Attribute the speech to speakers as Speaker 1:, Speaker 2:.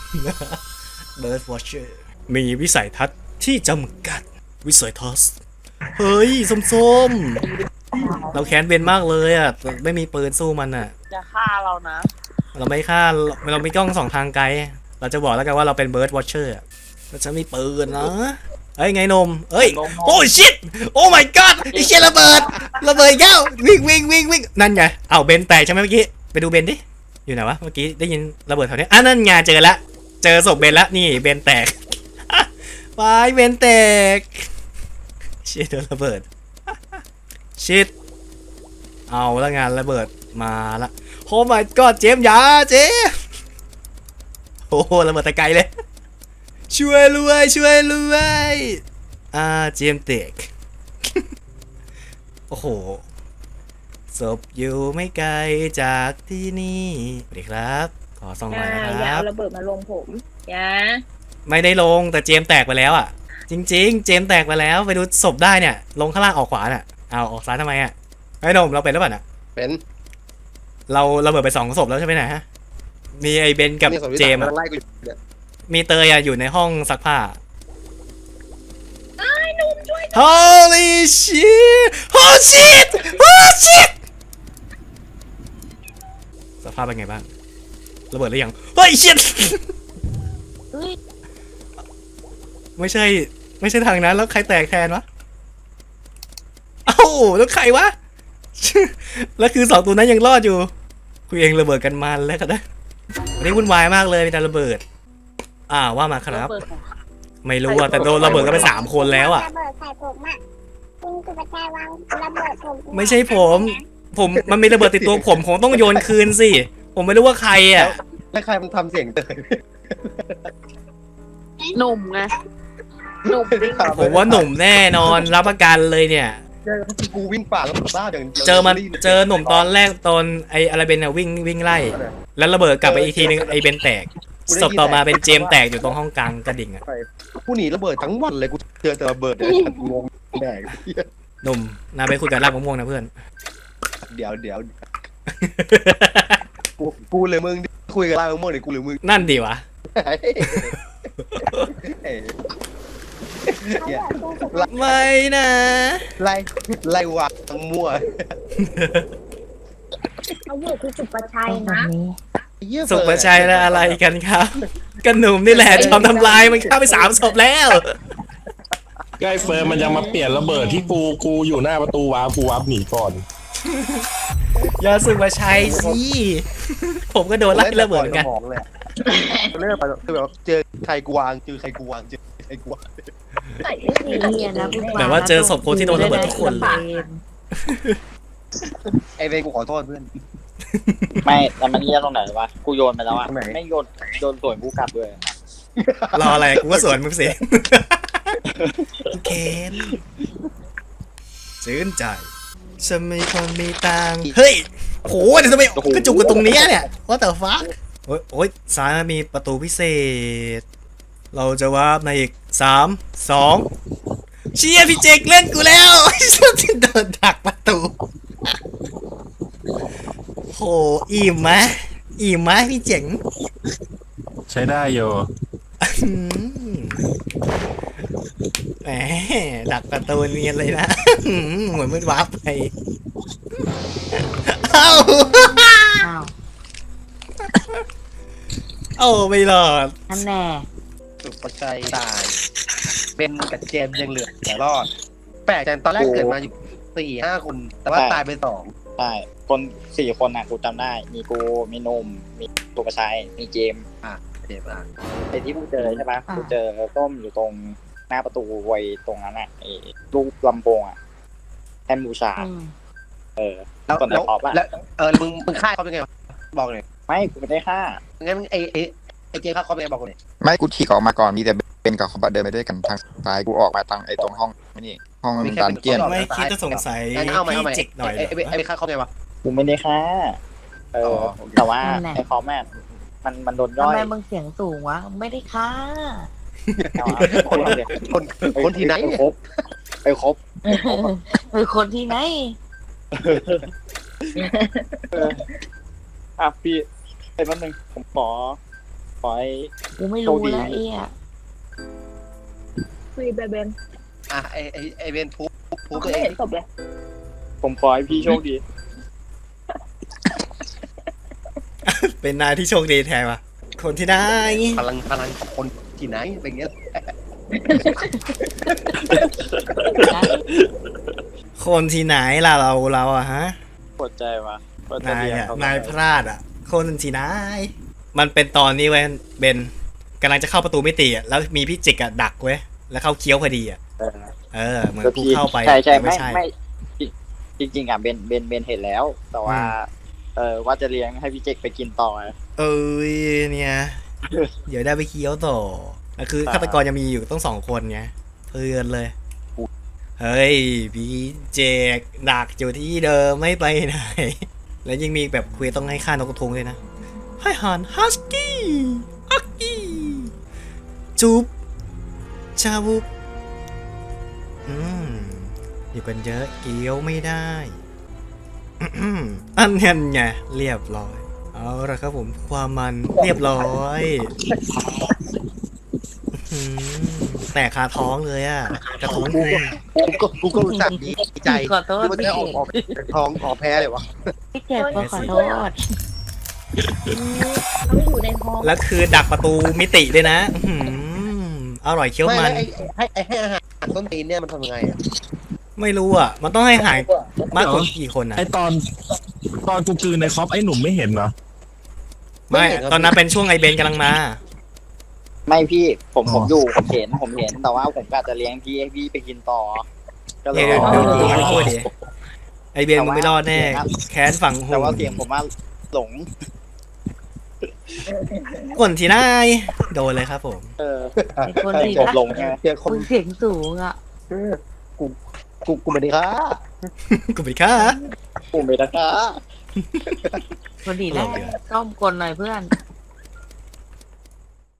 Speaker 1: Bird Watcher มีวิสัยทัศน์ที่จำกัดวิสัยทัศน์เฮ้ยส้มๆเราแค้นเบนมากเลยอ่ะไม่มีปืนสู้มันอ่ะ
Speaker 2: จะฆ่าเรานะ
Speaker 1: เราไม่ฆ่าเรามีกล้องสองทางไกลเราจะบอกแล้วกันว่าเราเป็น Bird Watcher อะเราจะมีปืนนะเฮ้ยไงนมเฮ้ยโอ้ชิตโอ้ my god ไอ้เชี่ยระเบิดแก้ววิ่งนั่นไงเอ้าเบนแตกใช่ไหมเมื่อกี้ไปดูเบนดิอยู่ไหนวะเมื่อกี้ได้ยินระเบิดแถวนี้นั่นไงเจอละเจอศพเบนละนี่เบนแตกไปเบนแตกเชี่ยโดนระเบิดชิตเอาแล้วงานระเบิดมาละโอ้ my god เจมส์ยาเจมส์โอ้โหระเบิดตะไกลเลยช่วยรวยเจมส์เตกโอ้โหศพอยู่ไม่ไกลจากที่นี่สวัสดีครับขอส่องหน่อยนะค
Speaker 3: อย่า
Speaker 1: รับ
Speaker 3: เอาระเบิดมาลงผมอย่า
Speaker 1: ไม่ได้ลงแต่เจมส์แตกไปแล้วอ่ะจริงๆเจมส์แตกไปแล้วไปดูศพได้เนี่ยลงข้างล่างออกขวาน่ะเอาออกซ้ายทำไมอ่ะไอ้หนมเราเป็นหรือเปล่าน่ะ
Speaker 4: เป็น
Speaker 1: เราระเบิดไป2 ศพแล้วใช่ไหมนะฮะมีไอ้เบนกับ
Speaker 4: นี่สองที่
Speaker 1: เจมส์
Speaker 4: สา
Speaker 1: อะ
Speaker 4: ไล่กูอยู่เนี่ย
Speaker 1: มีเตยอะอยู่ในห้องซักผ้า Holy shit Oh shit Oh shit สภาพเป็นไงบ้างระเบิดหรือยังเฮ้ย shit
Speaker 3: เฮ้ย
Speaker 1: ไม่ใช่ทางนั้นแล้วใครแตกแทนวะเอ้าแล้วใครวะ แล้วคือ2 ตัวนั้นยังรอดอยู่คุยเองระเบิดกันมันแล้วกันนะวันนี้วุ่นวายมากเลยมีแต่ระเบิดว่ามาครับ
Speaker 3: ระเบิดของ
Speaker 1: ไม่รู้อะแต่โดนระเบิดก็ไป3 คนแล้วอะ
Speaker 5: ระเบิดใส่ผมอ่ะคุณสุภาชัยวางระเบิดผม
Speaker 1: ไม่ใช่ผมมันมีระเบิดติดตัวผมต้องโยนคืนสิผมไม่รู้ว่าใครอะ
Speaker 4: แล้วใครมันทำเสียงเตย
Speaker 2: หนุ่มไงหนุ่มวิ่ง
Speaker 1: ผมว่าหนุ่มแน่นอนรับประกันเลยเนี่ย
Speaker 4: เจอกูวิ่งป่าแล้วบ้าอย่างดียว
Speaker 1: เจอหนุ่มตอนแรกตอนไอ้อะไรเบนอะวิ่งไล่ แล้วระเบิดกลับไปอีกทีนึงไอ้เบนแตกศพต่อมาเป็นเจมส์แตกอยู่ตรงห้องกลางกระดิ่งอะ
Speaker 4: กูหนีระเบิดทั้งวันเลยกูเจอแต่ระเบิดเนี่ยงงแดก
Speaker 1: หนุ่มนาไปคุยกับรากมะม่วงนะเพื่อน
Speaker 4: เดี๋ยวกูเลยมึงคุยกับไล่มึงมั่วเนี่ยกูหรือมึง
Speaker 1: นั่นดีวะ ไม่นะ
Speaker 4: ไล่วางมั่ว
Speaker 5: เขาอยู่ที่สุภาชัยนะ
Speaker 1: สุประชัยและอะไรกันครับกันหนุ่มนี่แหละจอมทำลายมันฆ่าไป3 ศพแล้ว
Speaker 6: ใกล้เฟิร์มมันยังมาเปลี่ยนระเบิดที่กูอยู่หน้าประตูวาร์ปกูวาร์ปหนีก่อน
Speaker 1: อย่าสุประชัยสิผมก็โดนไล่ระเบิดเหมือนกัน
Speaker 4: เล่นไปคือแบบเจอใครกูวางเจอใครกูวาง
Speaker 3: ใส่ไม่ดี
Speaker 7: เนี่ยนะพูด
Speaker 1: แบบว่าเจอศพคนที่โดนระเบิดทุกคนเลย
Speaker 4: ไอเวกูขอโทษเพื่อน
Speaker 8: ไม่แล้วมันเยี่ยตรงไหนวะ กูโยนไปแล้วอะ
Speaker 4: ตรงไหน
Speaker 8: ไม่โยนสวนกูกลับด้วย
Speaker 1: รออะไรกูก็สวนมึงเสียเคนชื่นใจฉันไม่คนมีตังค์เฮ้ยโหเดี๋ยวทำไมกระจุกกันตรงนี้เนี่ยว่าแต่ฟ้าโอ้ยซ้ายมีประตูพิเศษ เราจะวาร์ปในอีก3 2เชียร์พี่เจกเล่นกูแล้วฉันโดนดักประตูโหอิ่มไหมพี่เจ๋ง
Speaker 6: ใช้ได้โย
Speaker 1: อืมแหมดักประตูเนียนเลยนะเหมือนมันวาร์ปไปเอ้า
Speaker 7: อ้าว
Speaker 1: เอ้าไม่รอด
Speaker 7: นั่นแน่
Speaker 4: สุภชัยตายเป็นกับเจมยังเหลือรอดแปลกจังตอนแรกเกิดมาอยู่4-5 คนแต่ว่าตายไป2
Speaker 8: ใช่ คน4 คนน่ะกูจำได้ มีกู มีนม มีตัวกระชาย มีเจมส์
Speaker 4: เจ็บอ่ะ
Speaker 8: ไอ้ที่กูเจอใช่ปะกูเจอต้มอยู่ตรงหน้าประตูไว้ตรงนั้นอ่ะไอ้รูปลำโพงอ่ะแทนบูชา
Speaker 4: แล้ว
Speaker 8: ตอนไหนออกปะ
Speaker 4: แล้วมึงฆ่าเขาเป็นไงบอกเลย
Speaker 8: ไม่กูไม่ได้ฆ่า
Speaker 4: งั้นไอเจฆ่าเขาเป็นไงบอกเลย
Speaker 9: ไม่กูฉีกออกมาก่อนมีแต่เป็นกับเขาเดินไปด้วยกันทางซ้ายกูออกมาทางไอ้ตรงห้องนี่ห้องดันเจียน
Speaker 1: ไม่คิดจะสงสัย
Speaker 4: เอาใหม่
Speaker 1: พี่เจกหน่อยเหรอ
Speaker 4: ไอฆ่าเขาไงวะ
Speaker 8: กูไม่ได้ฆ่า แต่ว่า
Speaker 7: นั่นแหละ
Speaker 8: ไอ้คอมแม่มันโดนย่
Speaker 7: ทำ
Speaker 8: อย
Speaker 7: ไมมึงเสียงสูงวะ ไม่ได้ค่ะ
Speaker 4: คนที่ไหนเนี่ย
Speaker 8: ไปครบ
Speaker 7: เป็นคนที่ไหน
Speaker 8: พี่ไอ้แป๊บนึงผมขออให้
Speaker 7: กูไม่รู้
Speaker 8: โชคดี
Speaker 7: แล้วเอ๊ะ
Speaker 3: คุยเบน
Speaker 4: อ่ะไอเบนพูตัว
Speaker 3: ไม่
Speaker 4: เอง
Speaker 3: เห็นศพเลย
Speaker 8: ผมขอให้พี่โชคดี
Speaker 1: เป็นนายที่โชคดีแทนว่ะคนที่ได้
Speaker 4: พลังของคนที่ไหนเป็นอย่างเงี้ย
Speaker 7: นะ
Speaker 1: คนที่ไหนล่ะเราอะฮะ
Speaker 8: ปวดใจว่ะปวดใจ
Speaker 1: นาย
Speaker 8: เรียน
Speaker 1: อะ
Speaker 8: เขา
Speaker 1: นายพลาดอะคนที่ไหนมันเป็นตอนนี้เว้ยเบนกำลังจะเข้าประตูมิติอะแล้วมีพี่จิกอะดักเว้ยแล้วเข้าเคี้ยวพอดีอะ
Speaker 8: เออ
Speaker 1: เหมือน
Speaker 8: ก็
Speaker 1: กู
Speaker 8: พี่
Speaker 1: เข้าไป
Speaker 8: ใช่
Speaker 1: แต่ไม่
Speaker 8: ไม่
Speaker 1: ใช่
Speaker 8: ไม่จริงๆอ่ะเบนเห็นแล้ว แต่ว่า ว่าจะเลี้ยงให้พี่เจกไปกินต่อ
Speaker 1: เอ้ยเนี่ย เดี๋ยวได้ไปเคี้ยวต่อแล้วคือฆาตกรยังมีอยู่ต้อง2 คนไงเพื่อนเลย เฮ้ยพี่เจกดักอยู่ที่เดิมไม่ไปไหน แล้วยังมีแบบคุยต้องให้ฆ่านกกระทงเลยนะให้หันฮัสกี้อักกี้จุ๊บชาบุบอยู่กันเยอะเกี้ยวไม่ได้ อันนั้นไงเรียบร้อย เอาละครับผมความมันเรียบร้อยแต่คาท้องเลยอะกระทุ้ง
Speaker 4: กูก็รู้จักดีใจ
Speaker 7: ขอโทษ
Speaker 4: ที่มัน
Speaker 7: พี่
Speaker 4: ได้
Speaker 7: เจ
Speaker 4: ออกเป็นทองออกแพ้เลยวะ
Speaker 7: พี่เจก็ขอโทษ
Speaker 3: เขาอยู่ในห้อง
Speaker 1: แล้วคือดักประตูมิติด้วยนะอร่อยเคี้ยว
Speaker 4: ไม่
Speaker 1: มัน
Speaker 4: แล้วให้อาหารต้นตีนเนี่ยมันทำยังไงอ่ะ
Speaker 1: ไม่รู้อ่ะ มันต้องให้หายมากกว่ากี่คนอ่ะ
Speaker 6: ไอตอนกูกลืนในคอปไอหนุ่มไม่เห็นเหรอ
Speaker 1: ไม่ตอนนั้นเป็นช่วงไอเบนกำลังมา
Speaker 8: ไม่พี่ผม
Speaker 6: อ๋อ
Speaker 8: อยู่ผมเห็นแต่ว่าผมกะจะเลี้ยงพี่ให้พี่ไปกินต่อ ก็เลย
Speaker 1: เดี๋ยวดูมันพูดดิไอเบนมึงไม่รอดแน่ แค้นฝังหู
Speaker 8: แต่ว่าเสียงผมว่าหลง
Speaker 1: คนที่นายโดนเลยครับผม
Speaker 7: ไอ้คนที่
Speaker 8: ผมหลงใช่ไหม
Speaker 4: เสียงคน
Speaker 7: มึงเสียงสูงอ่ะ
Speaker 4: กูไม่ได้ค่ะ
Speaker 1: กูไปฆ่า
Speaker 8: ปุ่มเบต้า
Speaker 7: คนดีแรกต้อมกลหน่อยเพื่อน